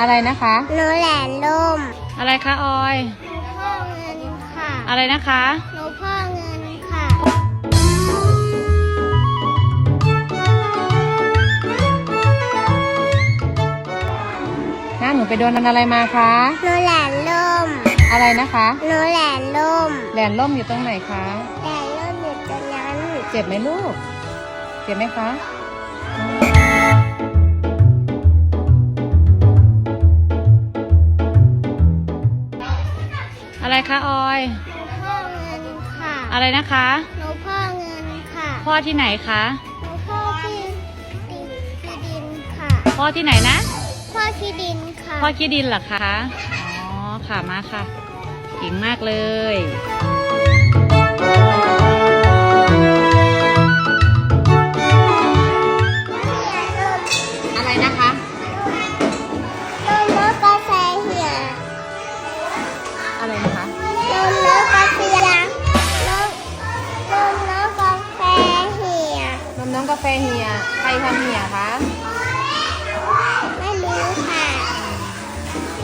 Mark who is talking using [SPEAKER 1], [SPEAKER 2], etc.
[SPEAKER 1] อะไรนะคะ
[SPEAKER 2] หนูแหลนล่ม
[SPEAKER 1] อะไรคะออย
[SPEAKER 2] หนูพ่อเงินค่ะ
[SPEAKER 1] อะไรนะคะ
[SPEAKER 2] หนูพ่อเงินค่ะ
[SPEAKER 1] หนูไปโดนอะไรมาคะ
[SPEAKER 2] หนูแหลนล่ม
[SPEAKER 1] อะไรนะคะ
[SPEAKER 2] หนูแหลนล่ม
[SPEAKER 1] แหลนล่มอยู่ตรงไหนคะ
[SPEAKER 2] แหลนล่มอยู่ตรงนั้น
[SPEAKER 1] เจ็บไหมลูกเจ็บไหมคะอะไรคะออย
[SPEAKER 2] พ่อเงินค่ะ
[SPEAKER 1] อะไรนะคะ
[SPEAKER 2] หนูพ่อเงินค่ะ
[SPEAKER 1] พ่อที่ไหนคะ
[SPEAKER 2] หนูพ่อที่ดินค่ะ
[SPEAKER 1] พ่อที่ไหนนะ
[SPEAKER 2] พ่อที่ดินค่ะ
[SPEAKER 1] พ่อขี้ดินเหรอคะอ๋อค่ะมาค่ะเก่งมากเลยอะไรนะคะ
[SPEAKER 2] นมรสกาแฟเหี่ย
[SPEAKER 1] อะไรนะคะ
[SPEAKER 2] นมรสกาแฟนมรสกาแฟเหี่ย
[SPEAKER 1] นมน้องกาแฟเหี่ยใครทำเหี่ยคะ
[SPEAKER 2] ไม่รู้ค่ะ